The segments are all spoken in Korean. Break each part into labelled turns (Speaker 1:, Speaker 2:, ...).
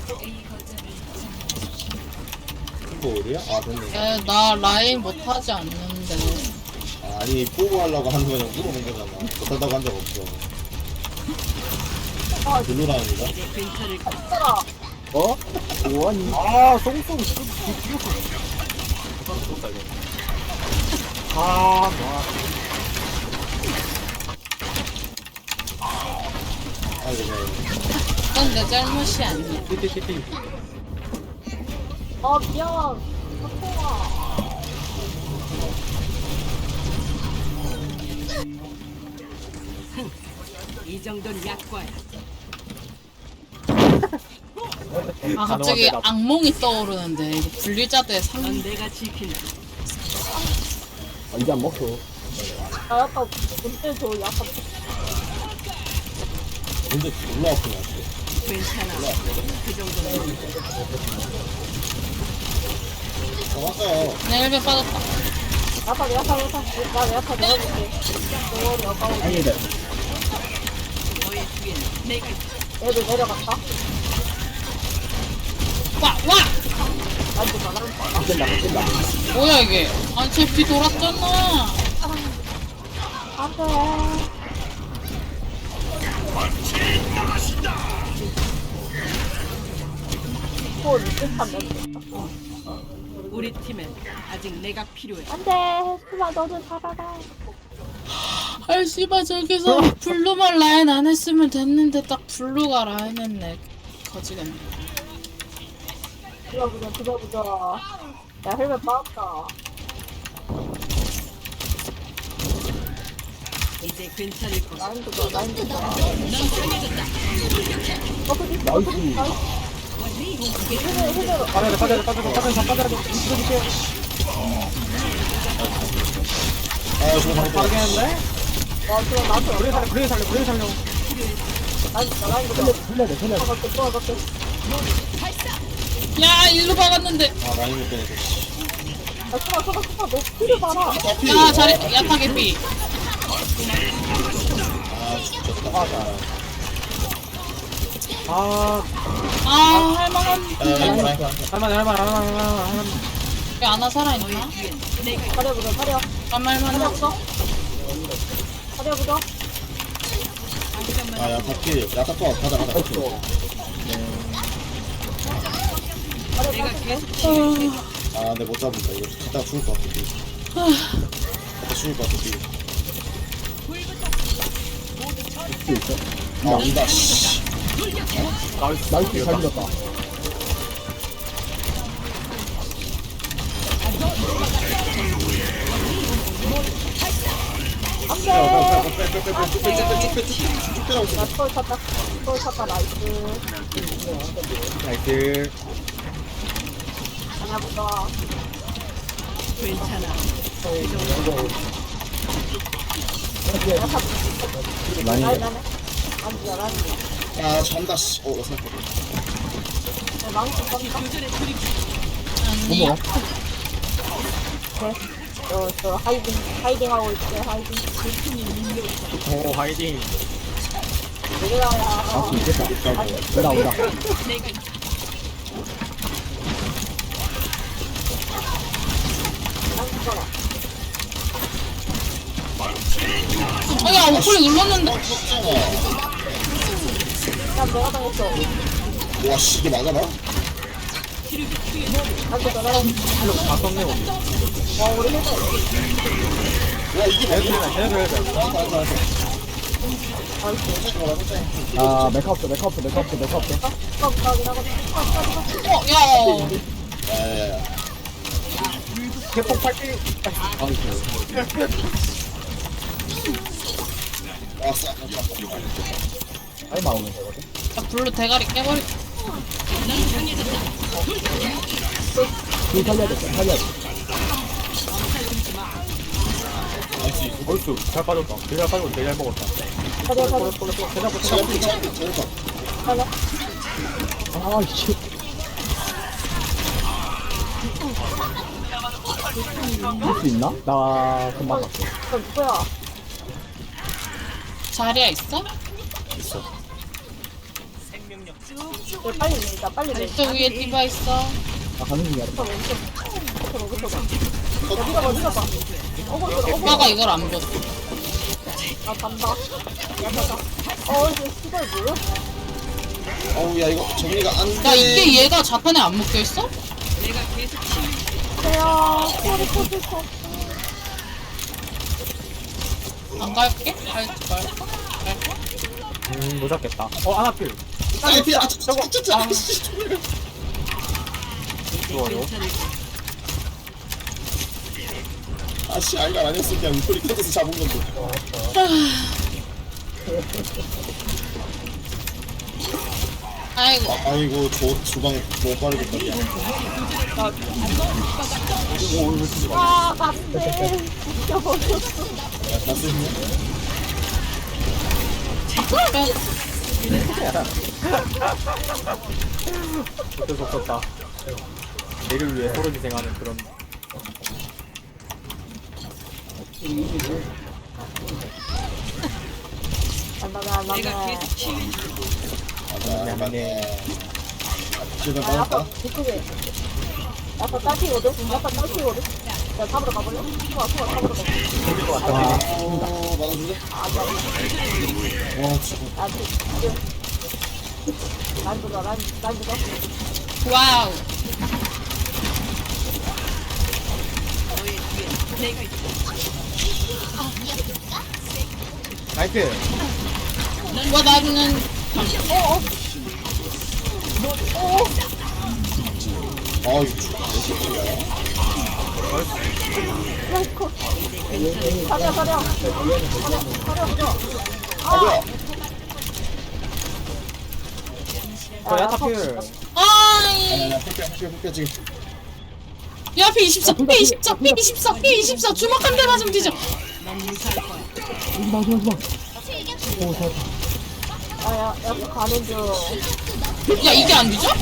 Speaker 1: 이거 어디야? 아 됐네.
Speaker 2: 야, 나 라인 못하지 않는데.
Speaker 1: 아니 보고 하려고 하는 거냐고 물어본 거잖아. 못한다고 한 적 없어. 블루라인이다.
Speaker 3: 어? 뭐하니? 아, 똥똥 죽였어. 아, 좋아.
Speaker 1: 아이고 네.
Speaker 2: 그건 내 잘못이 아니야.
Speaker 3: 띠띠띠띠.
Speaker 4: 아 미안. 사통아.
Speaker 5: 이 정도는 약과야.
Speaker 2: 아, 갑자기 악몽이 떠오르는데. 이거 분리자드의 상.
Speaker 5: 넌 내가 지킨다.
Speaker 3: 아, 이제 안 먹혀.
Speaker 4: 나 약간 문제 저 약간
Speaker 1: 근데 졸라 아프네.
Speaker 5: 괜찮아. 그 정도는
Speaker 1: 왔어요.
Speaker 2: 내 1배 빠졌다.
Speaker 4: 약간 나 약간 내어줄게. 너무 아까워.
Speaker 3: 아니다.
Speaker 5: 너의 뒤에는 내가 있다.
Speaker 4: 애들 내려갔다.
Speaker 2: 와, 와!
Speaker 4: 만지마 난.
Speaker 3: 찐다.
Speaker 2: 뭐야, 이게. 아니, 쟤비 돌았잖아.
Speaker 4: 안돼. 또 리셋한 멘트.
Speaker 5: 우리 팀엔 아직 내가 필요해.
Speaker 4: 안돼. 수마 너는 살아라.
Speaker 2: 아, 씨발, 저기서 블루만 라인 안 했으면 됐는데, 딱 블루가 라인 했네. 거지겠네.
Speaker 4: 부자. 야 헬멧 빠졌다.
Speaker 5: 이제 괜찮을 거야.
Speaker 4: 라인 부자.
Speaker 5: 넌 강해졌다.
Speaker 4: 나이스.
Speaker 3: 빠져야 돼. 밀어줄게.
Speaker 1: 아 저거 방금
Speaker 3: 빠르게 했는데?
Speaker 4: 와 그럼 나한테
Speaker 3: 브레이 살려.
Speaker 4: 라인 부자.
Speaker 3: 살려야 돼.
Speaker 4: 도와갈게.
Speaker 2: 야, 일로 박았는데.
Speaker 1: 아 라인 못 빼네.
Speaker 4: 야 수마 너 피를 봐라.
Speaker 2: 야, 잘해. 야타게 비.
Speaker 1: 아 죽겠다.
Speaker 3: 아,
Speaker 2: 아, 할만한.
Speaker 3: 할만해.
Speaker 2: 왜 아나 살아있나?
Speaker 4: 가려보자.
Speaker 2: 할만한.
Speaker 4: 가려보자.
Speaker 1: 아 야타 필. 야타 또 가자.
Speaker 5: 내가 계속
Speaker 1: 아 근데 못 잡는다. 이거 갔다가 죽을 것 같아. 갔다 죽을 것 같아. 아 온다. 씨.
Speaker 3: 나이스 잘 밀었다.
Speaker 4: 나 털 찼다. 나이스.
Speaker 3: 나이스.
Speaker 4: 가려보자.
Speaker 5: 괜찮아.
Speaker 3: 많이
Speaker 4: 라인 안에. 라인.
Speaker 1: 아 잔다. 씨. 나 생각.
Speaker 4: 망치 쏜다.
Speaker 2: 아니야.
Speaker 4: 저 하이딩 하고 있대. 하이딩.
Speaker 3: 오, 하이딩.
Speaker 4: 내려가야.
Speaker 3: 아, 있겠다. 오다.
Speaker 5: 내가 있다.
Speaker 2: 아, 야, 오클릭 눌렀는데.
Speaker 4: 야 내가 당했어.
Speaker 1: 와 씨 이게 맞아 나?
Speaker 3: 다 썼네, 우리.
Speaker 4: 와 우리 해서.
Speaker 1: 와 이게 맞아?
Speaker 3: 해야 아, 메카 없어.
Speaker 4: 가긴 하거든.
Speaker 2: 어, 야.
Speaker 1: 야야야.
Speaker 3: 개폭 팔기.
Speaker 1: 왔어.
Speaker 3: 아니, 나오면 되거든.
Speaker 2: 야, 블루 대가리 깨버리.
Speaker 3: 뒤 살려야 돼. 얼쑤, 잘 빠졌다. 되게 잘 빠졌고, 되게 잘 먹었다. 아, 씨. 할수 있나? 나 금방 갔어.
Speaker 4: 저 누구야?
Speaker 2: 자리야 있어?
Speaker 1: 있어.
Speaker 4: 이거 빨리 밀자 빨리 밀자.
Speaker 2: 저 위에 디바 있어.
Speaker 3: 나 가는 중이야.
Speaker 4: 붙어 멈춰. 야 밀어봐.
Speaker 2: 오빠가 이걸 안 봤어.
Speaker 4: 나 간다. 야 가자. 이제 시발 뭐야?
Speaker 1: 어우 야 이거 정리가 안돼.
Speaker 2: 야 이게 얘가 자탄에 안 묶여 있어?
Speaker 5: 내가 계속
Speaker 4: 야 소리 터질 거.
Speaker 2: 안 갈게? 갈지 말까? 갈까?
Speaker 3: 못 잡겠다. 아나필.
Speaker 1: 아니 피아 저거 진짜 아씨.
Speaker 3: 좋아요.
Speaker 1: 아씨 알갈 아니었으면 그냥 우리 캐릭에서 잡은 건데.
Speaker 2: 아이고.
Speaker 1: 아이고 저 주방 너무 빠르겠다.
Speaker 4: 안돼. 죽여버렸어.
Speaker 1: 야 다스 있네.
Speaker 3: 어쩔 수 없었다. 얘를 위해 서로 희생하는 그런.
Speaker 4: 안돼.
Speaker 5: 내가 계속 치유.
Speaker 1: 맞아 맞네. 주변
Speaker 4: 야,
Speaker 1: 빠졌다.
Speaker 4: 아빠 이쪽에. 아빠 딸피거든? 아빠 딸피거든? 야, 잡으러 가볼래? 좋아, 잡으러 가.
Speaker 1: 막아줄래?
Speaker 4: 아빠,
Speaker 1: 와 지금
Speaker 4: 야, 지금. 라인 보자, 라인 보자.
Speaker 2: 와우.
Speaker 3: 나이스.
Speaker 2: 와 나는
Speaker 1: 아 이거 몇 새끼야?
Speaker 4: 라이코. 사려.
Speaker 1: 아 뭐야?
Speaker 3: 야타필.
Speaker 2: 아이.
Speaker 1: 아니야 폭격 지금.
Speaker 2: 야 P24 P24 P24 P24 주먹 한 대 맞으면 뒤져.
Speaker 5: 넌 무사할 거야.
Speaker 3: 마지막.
Speaker 4: 야, 가는 중.
Speaker 2: 야 이게 안 뒤져?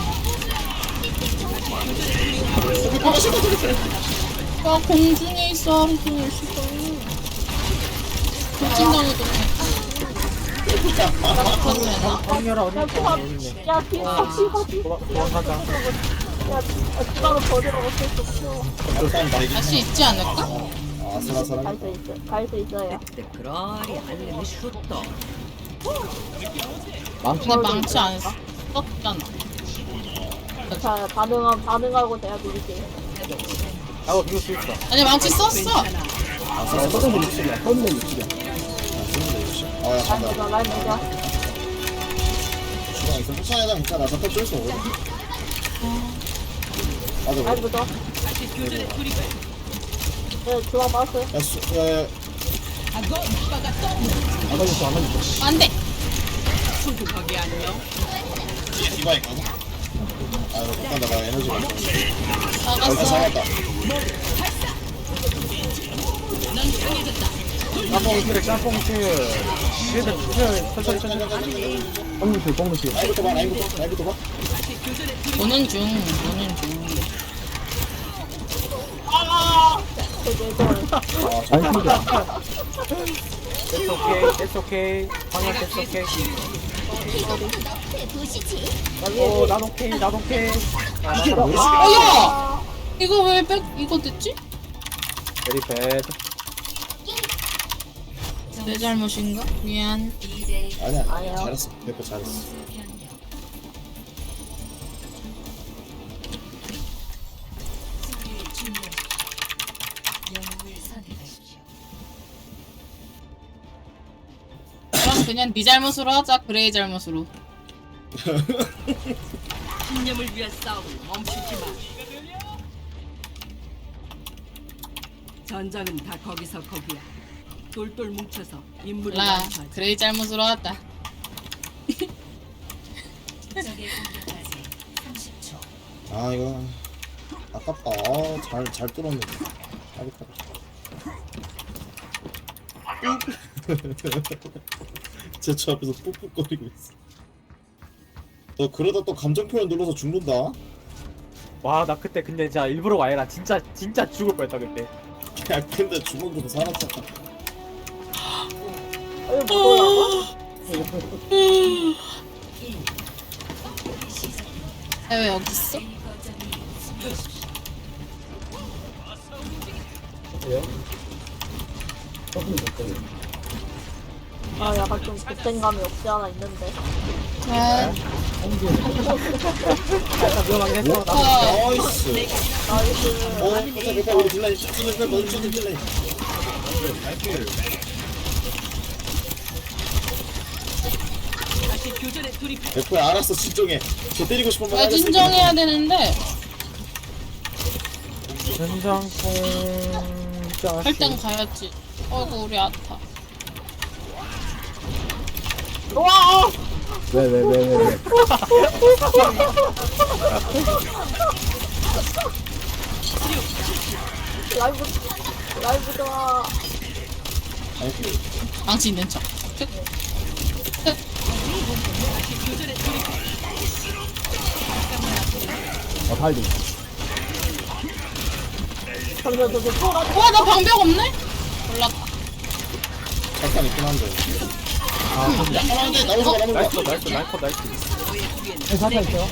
Speaker 2: 야 공중에 있어 공중에 있어. 돌진당해도 나가도 되나?
Speaker 3: 황열아 어디 있네.
Speaker 4: 야, 뒤가.
Speaker 3: 도망가자.
Speaker 4: 야, 주방을 버리러 못할 수 없어.
Speaker 1: 일단 나이기.
Speaker 2: 할 수 있지 않을까?
Speaker 1: 아슬아슬한.
Speaker 4: 갈 수 있어요.
Speaker 5: 그러리 알림이 슈터.
Speaker 2: 근데 망치 안 썼잖아.
Speaker 4: 자, 반응하고 제가 드릴게요.
Speaker 3: 나도 비울 수 있어.
Speaker 2: 아니 망치 썼어.
Speaker 3: 서른 분 있으려. 서른 분 있으려.
Speaker 1: 아야
Speaker 4: 라인
Speaker 1: 간다.
Speaker 4: 보자, 라인 보자.
Speaker 1: 주방 있어. 폭탄에다 괜찮아. 잠깐 쫄수 없거든. 맞아.
Speaker 4: 라인 보자.
Speaker 5: 다시 교전에 돌입해.
Speaker 4: 네, 주방 맞았어요.
Speaker 1: 야 수. 야.
Speaker 3: 안 걸렸어.
Speaker 2: 안 돼.
Speaker 5: 수도 거기 안녕.
Speaker 1: 뒤에 디바 있거든. 아 이거 못 간다. 나 에너지가 없어. 일단
Speaker 2: 나갔어.
Speaker 1: 잡았다.
Speaker 5: 넌 강해졌다.
Speaker 3: 짬뽕실. 천천히. 뻥무실.
Speaker 1: 라인부터 봐.
Speaker 5: 다시 교전에 돌입해.
Speaker 2: 보는 중.
Speaker 1: 아
Speaker 3: 아니 It's okay. 방금
Speaker 5: 내가
Speaker 3: it's
Speaker 5: 계속
Speaker 3: okay.
Speaker 5: 치유.
Speaker 3: 난 오케이.
Speaker 1: 이게 뭐지?
Speaker 2: 야 이거 왜 이거 됐지?
Speaker 3: Very bad.
Speaker 2: 내 잘못인가? 미안.
Speaker 1: 아니야.
Speaker 4: 아니요.
Speaker 1: 잘했어. 내거 잘했어.
Speaker 2: 그럼 그냥 네 잘못으로 하자. 그레이 잘못으로.
Speaker 5: 신념을 위한 싸움을 멈추지 마. 전장은 다 거기서 거기야. 똘똘 뭉쳐서 임무를
Speaker 2: 라
Speaker 5: 완수하자.
Speaker 2: 그레이 잘못으로 하자.
Speaker 1: 아 이거 아깝다. 잘 뚫었는데. 제저 앞에서 꾹꾹거리고 있어. 너 그러다 또 감정 표현 눌러서 죽는다.
Speaker 3: 와, 나 그때 근데 진짜 일부러 와이라 진짜 죽을 뻔했다 그때.
Speaker 1: 야 근데 주먹으로 살았잖아.
Speaker 4: 이거 뭐라고?
Speaker 2: 왜 여기 있어?
Speaker 4: 아 약간 좀 급생감이 없지 않아 있는데.
Speaker 2: 네.
Speaker 3: 살짝 위험하긴 했어. 나도.
Speaker 1: 나이스.
Speaker 4: 나이스.
Speaker 1: 깜짝 우리 딜라인 먼저 딜라인.
Speaker 5: 다시 교전에 돌입해.
Speaker 1: 백호야 알았어 진정해. 저 때리고 싶은 말
Speaker 2: 왜
Speaker 1: 하겠어.
Speaker 2: 진정해야 되는데
Speaker 3: 된장콩
Speaker 2: 할 땐 가야지. 어이구 우리 아파.
Speaker 4: 와.
Speaker 6: 왜.
Speaker 4: 라이브 좋아.
Speaker 2: 망치 있는 척.
Speaker 6: 발리.
Speaker 4: 잠시만 저기 소라.
Speaker 2: 와 나 방벽 없네? 몰랐다.
Speaker 1: 잠깐 있긴 한데. 약간 한데 나오지 마 나오지
Speaker 3: 나이스
Speaker 1: 마.
Speaker 3: 나이스 나이스 나이스.
Speaker 6: 사타 있어요?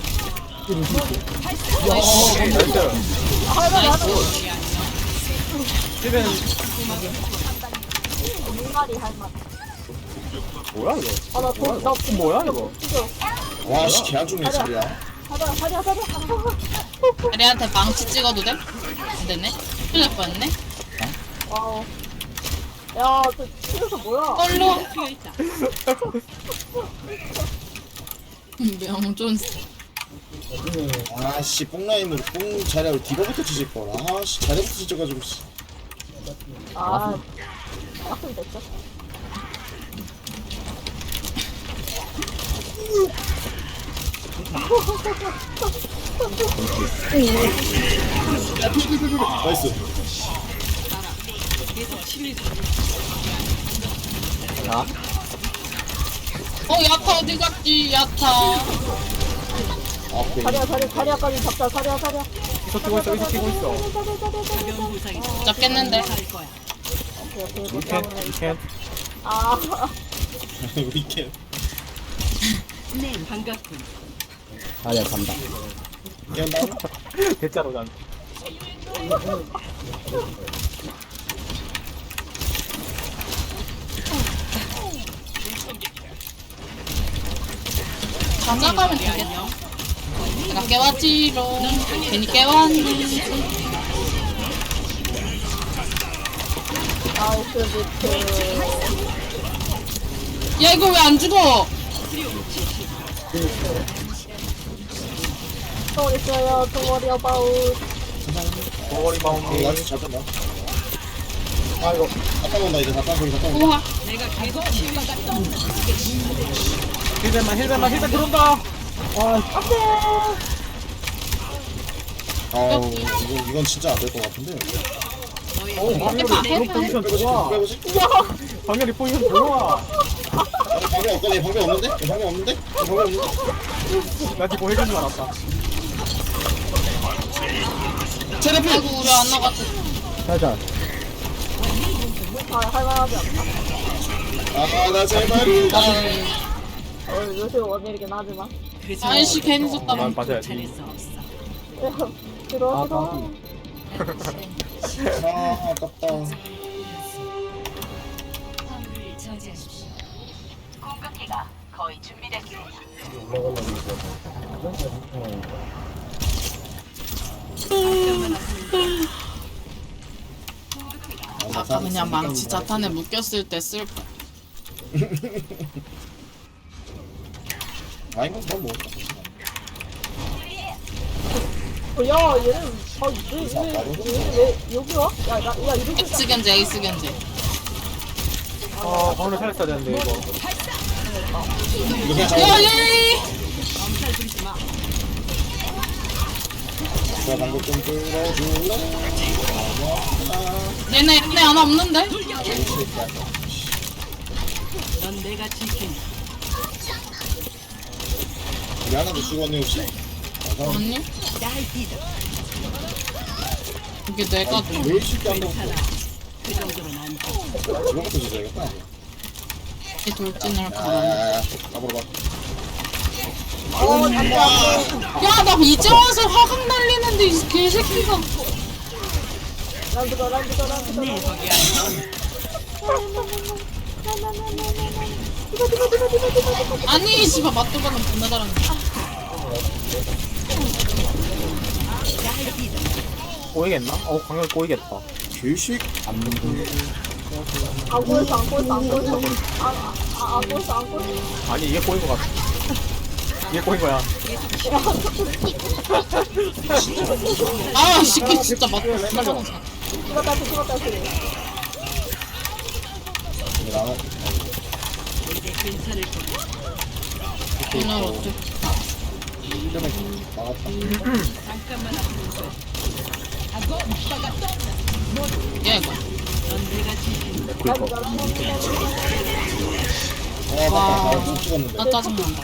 Speaker 3: 나이스.
Speaker 2: 나이스.
Speaker 3: 힐벤
Speaker 4: 민가리 할 맛.
Speaker 3: 뭐야 이거?
Speaker 4: 아나나
Speaker 3: 뭐야 이거?
Speaker 1: 와씨 개안 죽네 진짜.
Speaker 4: 사려.
Speaker 2: 아리한테 망치 찍어도 돼? 안 되네. 큰일 날 뻔했네.
Speaker 4: 와우. 야저 집에서 뭐야?
Speaker 2: 얼로.
Speaker 5: 튀어 있다.
Speaker 2: 명존.
Speaker 1: 아씨 뽕라인으로 뽕 자리하고 디버부터 치실 걸. 아씨 자리부터 치셔가지고 씨.
Speaker 4: 아. 빡좀 됐죠.
Speaker 1: 나이스.
Speaker 5: 계속 치밀.
Speaker 2: 야타 어디 갔지? 야타.
Speaker 1: 아 오케이.
Speaker 4: 사려까지 잡자. 사려.
Speaker 3: 이속 뛰고 있어 이속 뛰고 있어.
Speaker 5: 가벼운 부상이
Speaker 2: 잡겠는데.
Speaker 5: 할 거야.
Speaker 4: 오케이.
Speaker 3: 이캔.
Speaker 4: 아.
Speaker 1: 이렇게.
Speaker 5: 네, 반갑군.
Speaker 6: 아야 간다.
Speaker 1: 그냥 나
Speaker 3: 대자로 난.
Speaker 2: 가져가면 되겠다. 내가 깨웠지롱. 괜히 깨웠니?
Speaker 4: 나이스 비트.
Speaker 2: 야 이거 왜 안 죽어?
Speaker 4: 또 있어요. 도머리 어바웃.
Speaker 3: 머리 마운드.
Speaker 1: 나이스 잘 뺀다. 아 이거 갔다 온다 이제 갔다 온다.
Speaker 2: 우와.
Speaker 5: 내가 계속 치밀.
Speaker 3: 힐벤 들어온다.
Speaker 1: 아우 이건 진짜 안 될 것 같은데.
Speaker 2: 해봐.
Speaker 3: 포지션 좋아.
Speaker 1: 빼보지.
Speaker 3: 방열이 포지션 좋아.
Speaker 1: 방금 없거든. 방금 없는데? 방금 없는데? 방금 없는데?
Speaker 3: 나 지금 해준 줄 알았다.
Speaker 1: 체력필.
Speaker 2: 아이고 우리 안 나갔어.
Speaker 6: 살짝.
Speaker 4: 할만하지 않나?
Speaker 1: 아나 제발.
Speaker 4: 요새 원일이긴 하지만.
Speaker 2: 아이씨 괜히 썼다.
Speaker 3: 맞아야지.
Speaker 5: 잘할 수 없어.
Speaker 4: 들어.
Speaker 1: 아 아깝다.
Speaker 5: 거의 준비됐습니다.
Speaker 2: 아까 그냥 망치 자탄에 묶였을 때 쓸 거.
Speaker 1: 아 이거 뭐.
Speaker 4: 야 얘는 왜 여기 와? 야 이렇게
Speaker 2: X 견제, X 견제.
Speaker 3: 방을 살렸어야 되는데 이거.
Speaker 1: 이거 그냥 잡아.
Speaker 2: 야야야.
Speaker 5: 엄살 부리지 마.
Speaker 1: 자 방금 좀 끌어줄래?
Speaker 2: 얘네 하나 없는데?
Speaker 5: 넌 내가 지킨다.
Speaker 1: 우리 하나도 죽었네 혹시?
Speaker 2: 아니? 이게 내가
Speaker 1: 제일 쉽게 한 번부터
Speaker 5: 그 정도는 안 돼.
Speaker 1: 이거부터 주셔야겠다.
Speaker 2: 이 돌진을 가라.
Speaker 1: 아, 잡으러 가.
Speaker 4: 안돼.
Speaker 2: 야, 나 이제 와서 화강 날리는데 이 개새끼가.
Speaker 4: 란드가.
Speaker 5: 내 덕이 아니야.
Speaker 2: 아니, 씨발, 맛도가는 존나 잘하네.
Speaker 3: 꼬이겠나? 광역 꼬이겠다.
Speaker 1: 개식.
Speaker 6: 안 먹는
Speaker 4: 안 보였어. 안 보였어.
Speaker 3: 아니 이게 꼬인 것 같아. 이게 꼬인 거야.
Speaker 2: 아, 이 새끼 진짜 맛도 존나 잘하네.
Speaker 4: 죽었다.
Speaker 1: 나는
Speaker 5: 이제 괜찮을 거야.
Speaker 2: 오늘 어째?
Speaker 1: 나갔다.
Speaker 5: 잠깐만 앞으로.
Speaker 2: 야, 이거.
Speaker 5: 넌 내가 지킨다.
Speaker 1: 아, 맞다. 나 찍었는데.
Speaker 2: 나 짜증난다.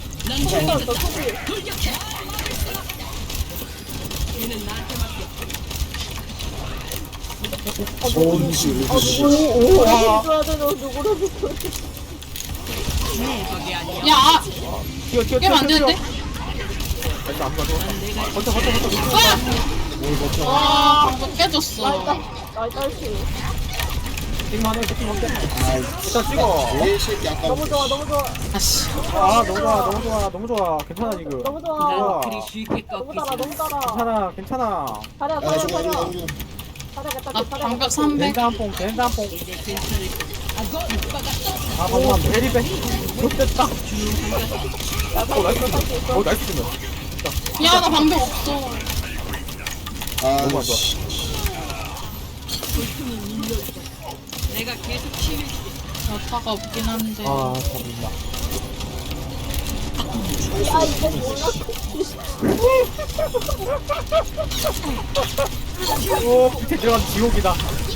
Speaker 5: 얘는 나한테 맡겨.
Speaker 1: 손실.
Speaker 5: 내 덕이 아니야.
Speaker 2: 야, 아,
Speaker 3: 튀어.
Speaker 2: 게임 안 되는데?
Speaker 3: 일단 안 가져. 버텨.
Speaker 1: 뭘 버텨.
Speaker 2: 아, 이거 깨졌어.
Speaker 3: 띵만 해. 띵 먹게.
Speaker 1: 아이,
Speaker 3: 일단 찍어.
Speaker 1: 개식 약간.
Speaker 4: 너무 좋아.
Speaker 2: 아씨.
Speaker 3: 아 너무 좋아. 괜찮아 지금.
Speaker 4: 너무
Speaker 5: 난
Speaker 4: 좋아.
Speaker 5: 그리 쉽게
Speaker 4: 너무
Speaker 5: 꺾이지.
Speaker 4: 달아.
Speaker 3: 괜찮아.
Speaker 4: 잘해.
Speaker 1: 야, 나 저거 해줘.
Speaker 2: 나 방벽 300.
Speaker 3: 젠다 한 뽕.
Speaker 5: 이제 괜찮을 거야.
Speaker 3: 아 방금 베리베. 좋됐다. 나이스 주면.
Speaker 2: 야, 나 방벽 없어.
Speaker 1: 아,
Speaker 3: 너무
Speaker 1: 씨.
Speaker 5: 내가 계속 치유해줄게.
Speaker 2: 여타가 없긴 한데.
Speaker 3: 아 잡는다. 오 밑에 들어간 지옥이다.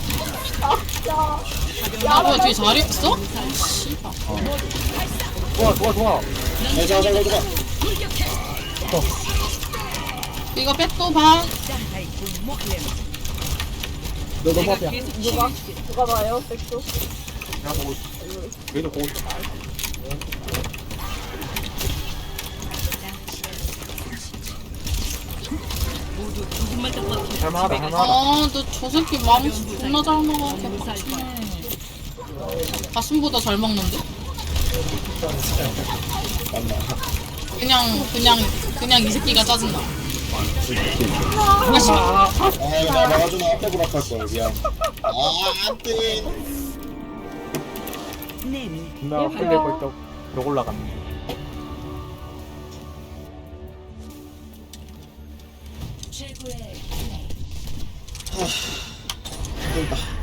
Speaker 2: 야, 뭐야, 뒤에 자리 없어? 씨발.
Speaker 3: 좋아.
Speaker 1: 야, 자.
Speaker 2: 이거 백도 봐.
Speaker 6: 너 너무
Speaker 5: 내가
Speaker 6: 앞이야.
Speaker 5: 계속 치유해줄게.
Speaker 4: 누가 봐요? 백수.
Speaker 3: 야 뭐 얘도 보고 있어.
Speaker 5: 모두 조금만 더 버티면
Speaker 3: 할만하다.
Speaker 2: 아, 너 저 새끼 망치 존나 잘 먹어. 개빡치네. 가슴보다 잘 먹는데?
Speaker 1: 맞나.
Speaker 2: 그냥 이 새끼가 짜증나.
Speaker 1: 아, 이거 나 막아주면 앞에 보락할 거야. 미안. 아, 안 돼.
Speaker 3: 나 끌리고 있다. 욕 올라갔네.
Speaker 1: 힘들다.